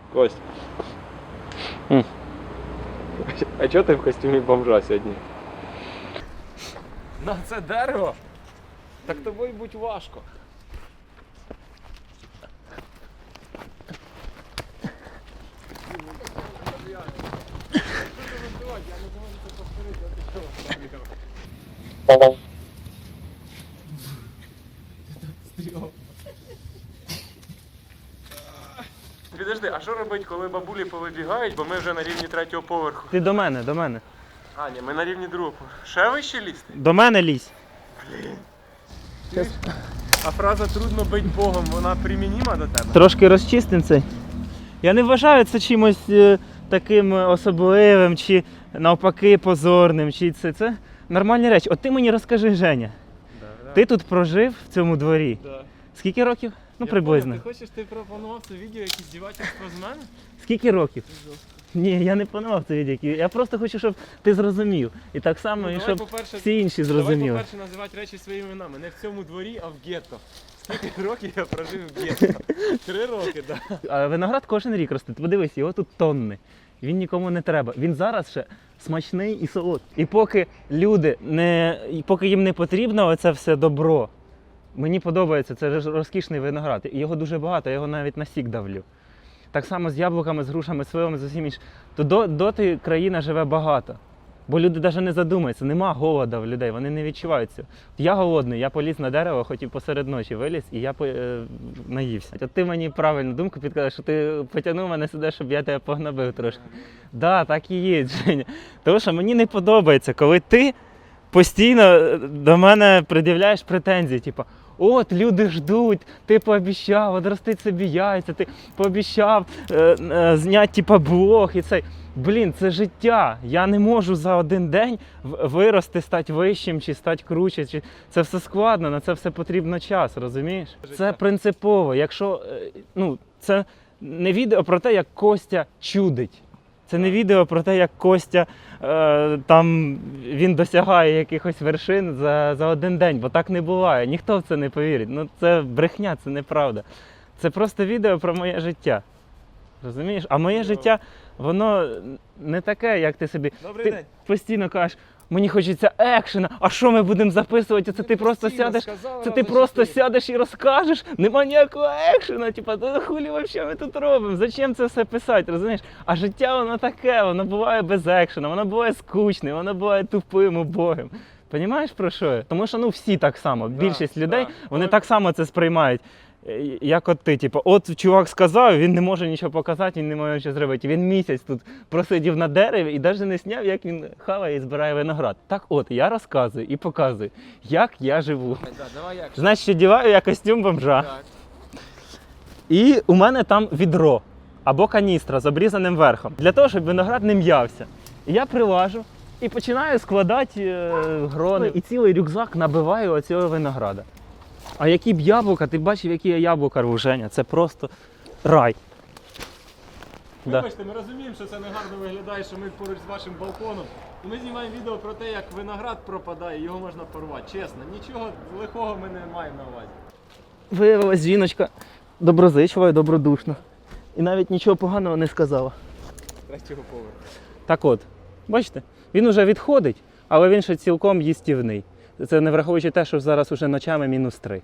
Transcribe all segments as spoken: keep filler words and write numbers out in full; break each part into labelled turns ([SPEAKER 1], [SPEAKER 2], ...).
[SPEAKER 1] Кость.
[SPEAKER 2] М.
[SPEAKER 1] А чого ти в костюмі бомжа сьогодні?
[SPEAKER 2] На це дерево? Так тобою будь важко.
[SPEAKER 1] Підожди, а що робити, коли бабулі повибігають, бо ми вже на рівні третього поверху?
[SPEAKER 2] Ти до мене, до мене.
[SPEAKER 1] А, ні, ми на рівні другого поверху. Ще вище лізти?
[SPEAKER 2] До мене лізь.
[SPEAKER 1] А фраза «трудно бить Богом», вона примініма до тебе?
[SPEAKER 2] Трошки розчистим цей. Я не вважаю це чимось е, таким особливим, чи навпаки позорним, чи це, це нормальні речі. От ти мені розкажи, Женя,
[SPEAKER 1] Да, да.
[SPEAKER 2] ти тут прожив в цьому дворі?
[SPEAKER 1] Да.
[SPEAKER 2] Скільки років? Ну,
[SPEAKER 1] Я
[SPEAKER 2] приблизно.
[SPEAKER 1] понял, ти хочеш, ти пропонував це відео, якісь здівательство з мене?
[SPEAKER 2] Скільки років? Ні, я не планував це відео. Я просто хочу, щоб ти зрозумів. І так само,
[SPEAKER 1] Ну,
[SPEAKER 2] і
[SPEAKER 1] давай,
[SPEAKER 2] щоб
[SPEAKER 1] по-перше,
[SPEAKER 2] всі інші
[SPEAKER 1] Давай,
[SPEAKER 2] зрозуміли.
[SPEAKER 1] по-перше, називати речі своїми іменами. Не в цьому дворі, а в гетто. Скільки років я прожив в гетто? Три роки, так. Да.
[SPEAKER 2] А виноград кожен рік росте. Подивись, його тут тонни. Він нікому не треба. Він зараз ще смачний і солодкий. І поки люди не, і поки їм не потрібно оце все добро, мені подобається, це ж розкішний виноград. І його дуже багато, я його навіть на сік давлю. Так само з яблуками, з грушами, сливами, з усім іншим. То до, доти країна живе багато. Бо люди навіть не задумаються, нема голода в людей, вони не відчувають цього. Я голодний, я поліз на дерево, хотів посеред ночі виліз, і я е, наївся. От ти мені правильну думку підказав, що ти потягнув мене сюди, щоб я тебе погнобив трошки. Так, да, так і є, Женя. Тому що мені не подобається, коли ти постійно до мене пред'являєш претензії, типу, от люди ждуть, ти пообіцяв одростити собі яйця, ти пообіцяв е, е, зняти типу, блог і цей. Блін, це життя. Я не можу за один день вирости, стати вищим чи стати круче. Чи... Це все складно, на це все потрібно час, розумієш?
[SPEAKER 1] Життя.
[SPEAKER 2] Це принципово. Якщо, е, ну, це не відео про те, як Костя чудить. Це не відео про те, як Костя е, там він досягає якихось вершин за, за один день, бо так не буває. Ніхто в це не повірить. Ну, це брехня, це неправда. Це просто відео про моє життя. Розумієш? А моє життя, воно не таке, як ти собі.
[SPEAKER 1] Добрий
[SPEAKER 2] ти
[SPEAKER 1] день.
[SPEAKER 2] постійно кажеш, мені хочеться екшена, а що ми будемо записувати? Це ти просто сядеш, це ти просто сядеш і розкажеш, нема ніякого екшена, типа, та хулі взагалі ми тут робимо? Зачем це все писати, розумієш? А життя воно таке, воно буває без екшена, воно буває скучним, воно буває тупим, убогим. Понімаєш, про що я? Тому що ну всі так само,
[SPEAKER 1] Да,
[SPEAKER 2] більшість людей,
[SPEAKER 1] да.
[SPEAKER 2] вони так само це сприймають. Як от ти, типу, от чувак сказав, він не може нічого показати, він не може нічого зробити. Він місяць тут просидів на дереві і навіть не зняв, як він хаває і збирає виноград. Так от, я розказую і показую, як я живу.
[SPEAKER 1] Да, давай як.
[SPEAKER 2] Значить, одягаю я костюм бомжа.
[SPEAKER 1] Так.
[SPEAKER 2] І у мене там відро або каністра з обрізаним верхом, для того, щоб виноград не м'явся. І я прилажу і починаю складати е, грони. І цілий рюкзак набиваю оцього винограда. А які б яблука, ти бачив, які я яблука рву, Женя, це просто рай.
[SPEAKER 1] Вибачте, ми розуміємо, що це не гарно виглядає, що ми поруч з вашим балконом. І ми знімаємо відео про те, як виноград пропадає, його можна порвати. Чесно, нічого лихого ми не маємо на увазі.
[SPEAKER 2] Виявилась жіночка доброзичлива і добродушна. І навіть нічого поганого не сказала.
[SPEAKER 1] Третього поверху.
[SPEAKER 2] Так от, бачите, він уже відходить, але він ще цілком їстівний. Це не враховуючи те, що зараз уже ночами мінус три.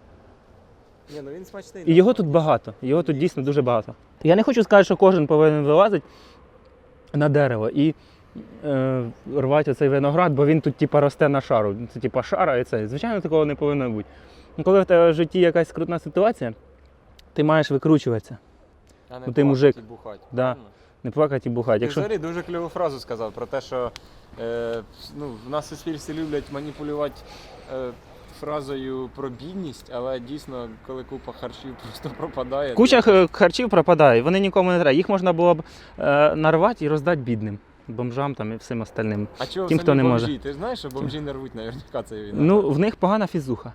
[SPEAKER 1] Ні, ну він смачний.
[SPEAKER 2] І його тут багато, його тут дійсно дуже багато. Я не хочу сказати, що кожен повинен вилазити на дерево і е, рвати оцей виноград, бо він тут типа росте на шару. Це типа шара і це. Звичайно, такого не повинно бути. Коли в тебе в житті якась скрутна ситуація, ти маєш викручуватися.
[SPEAKER 1] А не
[SPEAKER 2] Ну, ти мужик.
[SPEAKER 1] і бухать.
[SPEAKER 2] Да.
[SPEAKER 1] Правильно?
[SPEAKER 2] Не плакати і бухати.
[SPEAKER 1] Ти
[SPEAKER 2] Якщо...
[SPEAKER 1] взагалі дуже кльову фразу сказав про те, що е, ну, в нас в суспільстві люблять маніпулювати е, фразою про бідність, але дійсно, коли купа харчів просто пропадає.
[SPEAKER 2] Куча
[SPEAKER 1] то...
[SPEAKER 2] харчів пропадає, вони нікому не треба. Їх можна було б е, нарвати і роздати бідним. Бомжам там і всім остальним.
[SPEAKER 1] А чого
[SPEAKER 2] Тим,
[SPEAKER 1] самі
[SPEAKER 2] хто не
[SPEAKER 1] бомжі?
[SPEAKER 2] може.
[SPEAKER 1] Ти ж знаєш, що бомжі не рвуть наверняка цей війна?
[SPEAKER 2] Ну, в них погана фізуха.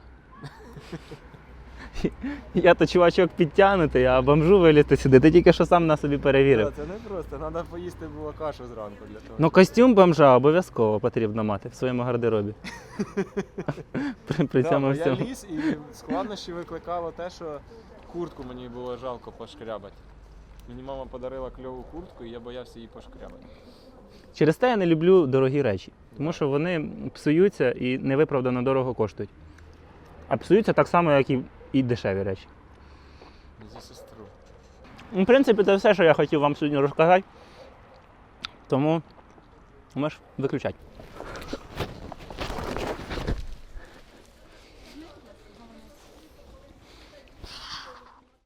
[SPEAKER 2] Я то чувачок підтягнутий, а бомжу вилізти сюди. Ти тільки що сам на собі перевірив.
[SPEAKER 1] Це не просто, треба поїсти було кашу зранку для того.
[SPEAKER 2] Ну, костюм бомжа обов'язково потрібно мати в своєму гардеробі. При, при
[SPEAKER 1] Да,
[SPEAKER 2] цьому
[SPEAKER 1] бо
[SPEAKER 2] всьому.
[SPEAKER 1] я ліз і складнощі викликало те, що куртку мені було жалко пошкрябати. Мені мама подарила кльову куртку, і я боявся її пошкрябати.
[SPEAKER 2] Через те я не люблю дорогі речі, тому що вони псуються і невиправдано дорого коштують. А псуються так само, як і, і дешеві речі.
[SPEAKER 1] За сестру.
[SPEAKER 2] В принципі, це все, що я хотів вам сьогодні розказати. Тому можеш виключати.